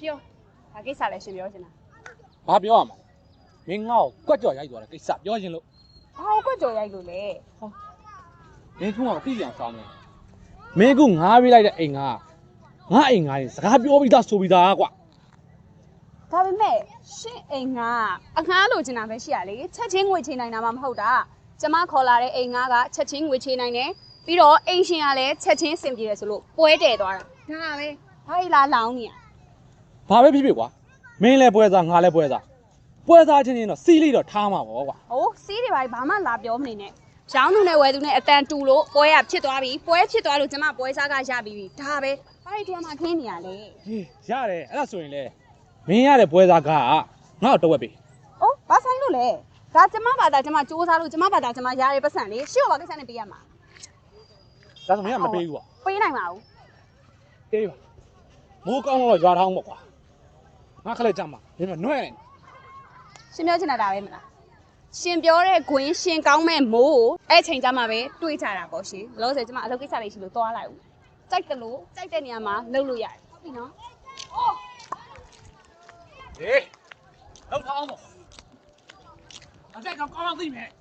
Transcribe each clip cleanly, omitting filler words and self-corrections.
ပြောဒါကိစ္စလည်းရှင်ပြောချင်တာဘာပြောရမှာမင်းငါ့ကိုကွက်ကြော်ရိုက်သွားတယ်ကိစ္စပြောချင်လို့ဘာကိုကွက်ကြော်ရိုက်လို့လဲမင်းကမသိကြအောင်စောင်းနေမင်းကငါးပေးလိုက်တဲ့အိမ်ကငါအိမ်ငါရင်စကားပြောပြီးသားဆိုပြီးသားကွာဒါပေမဲ့ရှင်အိမ်ကအငှားလိုချင်တာပဲရှိရလေချက်ချင်းငွေချေနိုင်တာမှမဟုတ်တာကျမခေါ်လာတဲ့အိမ်ကချက်ချင်းငွေချေနိုင်တယ်ပြီးတော့အိမ်ရှင်ကလည်းချက်ချင်းစင်ပြေတယ်ဆိုလို့ပွဲတည်သွားတာဒါပဲဘာလဲလားလောင်းနေရဘာပဲဖြစ်ဖြစ်ကွာမင်းလည်းပွဲစားငါလည်းပွဲစားချင်းချင်းတော့စီးလေးတော့ထားမှာပေါ့ကွာဟိုစီးတွေဘာမှလာပြောမနေနဲ့ရောင်းသူနဲ့ဝယ်သူနဲ့အတန်တူလို့ပွဲရဖြစ်သွားပြီပွဲဖြစ်သွားလို့ကျမပွဲစားကရပြီးပြီဒါပဲဘာဒီမှာခင်းနေရလဲဟေးရတယ်အဲ့ဒါဆိုရင်လေမင်းရတဲ့ပွဲစားကငါ့ကိုတော့ဝက်ပေးအိုးဘာဆိုင်လို့လဲဒါကျမဘာသာကျမစူးစမ်းလို့ကျမဘာသာကျမရတဲ့ပတ်စံလေးရှေ့ကဘာကိစ္စနဲ့ပေးရမှာဒါဆိုမင်းကမပေးဘူးကွာပေးနိုင်ပါဘူးအေးပါမိုးကောင်းတော့ရွာထောင်းပေါ့ကွာငါခလက်ကြမှာမင်းမနှွဲ့နေရှင်ပြောချင်တာဒါပဲမလားရှင်ပြောတဲ့ဂွင်းရှင်ကောင်းမဲ့မိုးကိုအဲ့ချိန်ကျမှပဲတွေးကြတာပေါ့ရှင်လောဆယ်ကျမအလုပ်ကိစ္စလေးရှိလို့သွားလိုက်ဦးကြိုက်တယ်လို့ကြိုက်တဲ့နေရာမှာလုပ်လို့ရတယ်ဟုတ်ပြီနော်ဟေးလောက်ထောင်းပေါ့အသက်ကောင်းသိမယ်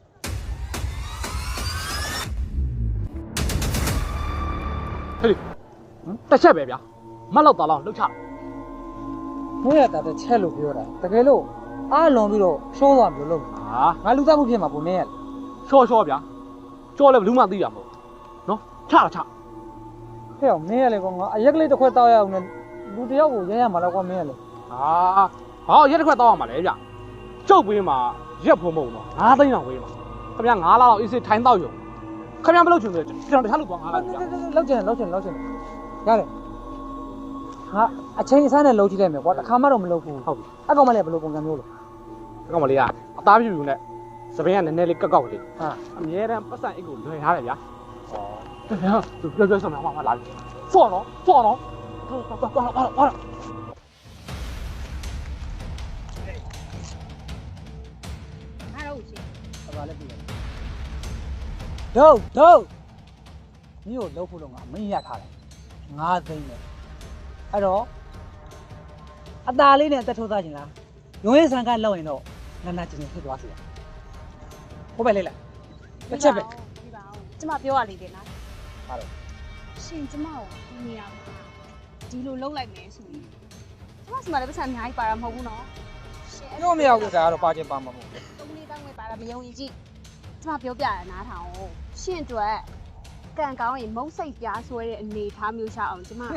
ဟေးတစ်ချက်ပဲဗျာမတ်လောက်သားလောက်လှုပ်ချမင်းရတာတစ်ချက်လို့ပြောတာတကယ်လို့အားလွန်ပြီးတော့ရှောသွားမလို့လို့ဟာငါလူသားမှုဖြစ်မှာပုံနေရချောဗျာချောလဲဘယ်သူမှသိရမဟုတ်နော်ချဟဲ့အောင်မင်းရလေကောငါအရက်ကလေးတစ်ခွက်တောက်ရအောင်နဲ့လူတယောက်ကိုရရမှာတော့ကွာမင်းရလေဟာရက်တစ်ခွက်တောက်ရမှာလေဗျကျုပ်ပေးမှာရက်ဖုံမုံတော့9သိန်းအောင်ဝေးမှာခင်ဗျာ9လလောက်အေးစစ်ထိုင်းတောက်ရုံခင်ဗျာမလုပ်ချင်ဘူးကျွန်တော်တခြားလူသွား9လဗျာလောက်ချင်ရတယ်ငါအချိန်အစားနဲ့လှုပ်ကြည့်လိုက်မယ်ကွာတစ်ခါမှတော့မလှုပ်ဘူးဟုတ်ပြီအကောင်မလေးဘယ်လိုပုံစံမျိုးလဲအကောင်မလေးကအသားပြူပြူနဲ့စပင်းကနည်းနည်းလေးကောက်လေးဟာအမြဲတမ်းပတ်စံအိတ်ကိုလွယ်ထားတယ်ဗျာဩဗျာသူပြောစမ်းမှာလာပြီဖော့နော်သွားတော့ငါတို့ရှင်ဘာလဲပြီဒုတ်မင်းကိုလှုပ်ဖို့တော့ငါမင်းရထားတယ်9သိန်းနဲ့အဲ့တော့အตาလေးနဲ့အသက်ထိုးသားခြင်းလားရုံးရဆန်ကလောက်ရင်တော့နာကျင်ဖြစ်သွားစီရဟုတ်ပဲလေလားတစ်ချက်ပဲဒီပါအောင်ကျမပြောရလေတယ်နော်ဟာတော့ရှင်ကျမကိုဒီနေရာမှာဒီလိုလှုပ်လိုက်မယ်ဆိုရင်ကျမစမလည်းပတ်စံအများကြီးပါတာမဟုတ်ဘူးနော်ရှင်ပြောမရဘူးဒါကတော့ပါခြင်းပါမှာမဟုတ်ဘူးတုံးလေးတောင်းဝဲပါတာမယုံကြည်ကျမပြောပြရနားထောင်ရှင်အတွက်ကံကောင်းရင်မုတ်စိတ်ပြားဆွဲတဲ့အနေထားမျိုးရှာအောင်ကျမ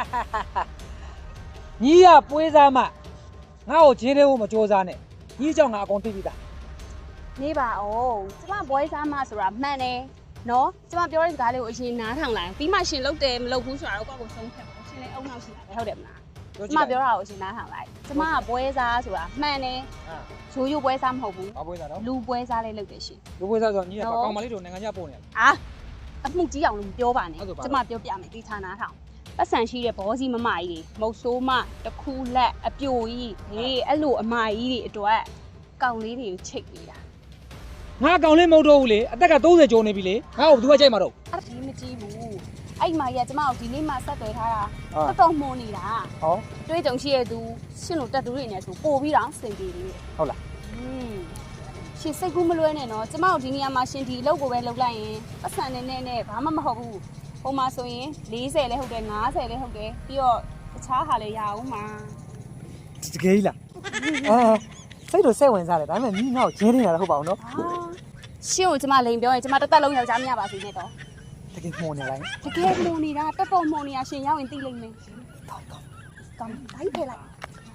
ညီရပွေးစားမှငါ့ကိုဂျင်းသေးဖို့မကြိုးစားနဲ့ညီเจ้าငါအကုန်သိပြီသားနေပါအောင်ကျမဘွဲစားမဆိုတာမှန်တယ်နော်ကျမပြောတဲ့စကားလေးကိုအရင်နားထောင်လိုက်ပြီးမှရှင်လုပ်တယ်မလုပ်ဘူးဆိုတာတော့ကိုယ့်ကိုဆုံးဖြတ်ပါရှင်လည်းအုံနောက်ရှိတာပဲဟုတ်တယ်မလားကျမပြောတာကိုအရင်နားထောင်လိုက်ကျမကဘွဲစားဆိုတာမှန်တယ်ရိုးဘွဲစားမဟုတ်ဘူးဘာပွေးစားတော့လူဘွဲစားလေးလုပ်တယ်ရှင်လူပွေးစားဆိုညီရပါကောင်မလေးတို့နိုင်ငံခြားပို့နေတယ်အာအမှုကြီးအောင်လို့ပြောပါနဲ့ဟုတ်ကဲ့ပါကျမပြောပြမယ်ဒီဌာနထောင်ပတ်စံရှိတဲ့ဘောစီမမကြီးတွေမုတ်ဆိုးမတခုလက်အပြိုကြီးဟေးအဲ့လိုအမကြီးတွေအတွက်ကောင်လေးတွေကိုချိတ်နေတာငါကောင်လေးမဟုတ်တော့ဘူးလေအသက်က30ကျော်နေပြီလေငါ့ကိုဘယ်သူကကြိုက်မှာတော့အဲ့ဒီမကြည့်ဘူးအဲ့မကြီးကကျမကိုဒီနေ့မှဆက်သွယ်ထားတာဟာတော်တော်မှုန်နေတာဟောတွေးကြုံရှိရသူရှင်တို့တက်တူတွေနဲ့ဆိုပို့ပြီးတော့စင်ပြေတယ်ဟုတ်လားရှင်စိတ်ကူးမလွဲနဲ့နော်ကျမတို့ဒီနေရာမှာရှင်ဒီအလုပ်ကိုပဲလုပ်လိုက်ရင်ပတ်စံနဲ့ဘာမှမဟုတ်ဘူးဟိုမှာဆိုရင်40လည်းဟုတ်တယ်50လည်းဟုတ်တယ်ပြီးတော့တခြားဟာလည်းရအောင်မှာတကယ်ကြီးလားစိတ်တော့စိတ်ဝင်စားတယ်ဒါပေမဲ့ညီငါ့ကိုဂျင်းနေတာလည်းဟုတ်ပါအောင်နော်ရှင်ကိုကျမလိန်ပြောရင်ကျမတစ်သက်လုံးယောက်ျားမရပါစေနဲ့တော့တကယ်မှုန်နေလိုက်တကယ်မှုန်နေတာတော်တော်မှုန်နေတာရှင်ရောက်ရင်သိလိမ့်မယ်ကောင်းတိုင်းဖယ်လိုက်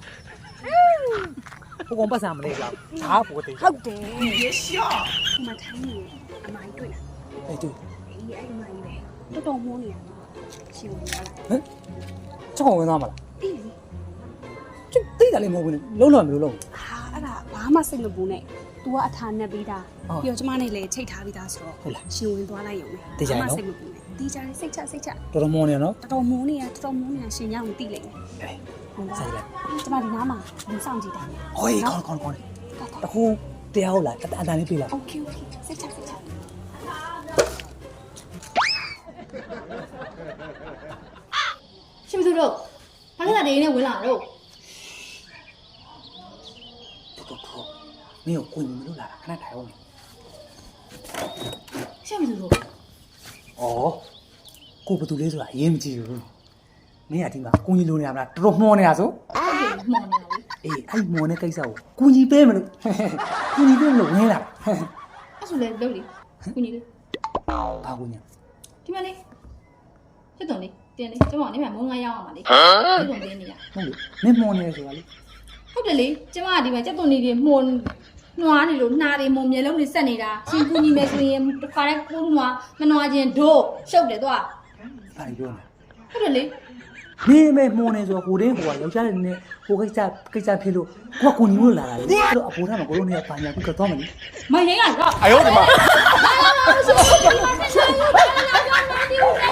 ဘုံပတ်စံမလေးလားဟာပိုတေးဟုတ်တယ်ရေရှော့ဒီမှာထိုင်းနေအမိုင်းတွေ့လားအေးတူအေးအဲ့အမိုင်းပဲတော်တော်မှုန်နေတာရှင်ဝင်လာလားဟမ်ချက်ကောင်ဝင်သွားမလားအေးကျသိတယ်လည်းမဟုတ်ဘူးလုံးလုံးမလို့လုံးဟာအဲ့ဒါဘာမှစိတ်မပူနဲ့ तू ကအထာနဲ့ပြီးသားပြီးတော့ကျမနဲ့လည်းချိတ်ထားပြီးသားဆိုတော့ရှင်ဝင်သွားလိုက်ရုံနဲ့စိတ်မပူနဲ့တီးကြတယ်စိတ်ချတော်တော်မှုန်နေနော်တော်တော်မိုးနေရရှင်ရောက်ရင်သိလိမ့်မယ်ဟုတ်လားကျမဒီနားမှာလူဆောင်ကြည့်တာဟေးခေါင်းတခုတရားဟုတ်လားအတန်လေးပြေးလားโอเคစိတ်ချရှင်မသူတို့ဘာလို့လဲနေနဲ့ဝင်လာတော့မင်းကိုကိုညီမလို့လာတာခဏထိုင်အောင်ရှက်မလို့ဩကိုဘသူလေးဆိုတာအရေးမကြီးဘူးမင်းကဒီမှာကိုညီလိုနေရမလားတော်တော်မှောနေတာဆိုဟုတ်တယ်မှန်တယ်လေအေးအဲ့မော်နဲ့ကိစ္စကိုကိုညီပေးမလို့ကိုညီပေးမလို့ဝင်လာအဲ့ဆိုလေလုပ်လေကုညီလေးဘာကိုညီဒီမလေးချက်တုံလေးတင်းလေးကျမကနေမှမုံငါရောက်အောင်ပါလေချက်တုံတင်းနေရဟုတ်လေမင်းမော်နေဆိုတာလေဟုတ်တယ်လေကျမကဒီမှာချက်တုံလေးတွေမှုန်နွားနေလို့နှာတွေမှုန်မျက်လုံးတွေဆက်နေတာရှင်ကုညီမယ်ဆိုရင်တစ်ခါတည်းကိုနွားမနွားချင်းဒို့ရှုပ်တယ်တော့ဘာလို့ပြောလဲဟုတ်တယ်လေမင်းမဲမော်နေဆိုတော့ကိုတင်းကိုကယောက်ျားလေးနဲ့ကိုကိစ္စဖြစ်လို့ကိုကကိုညီလို့လာတာလေအဲ့တော့အဖိုးထားမှာကိုတို့နေရာပါညာကိုကတော့မယ်လေမရင်းကတော့哎呦我的妈！ 啊！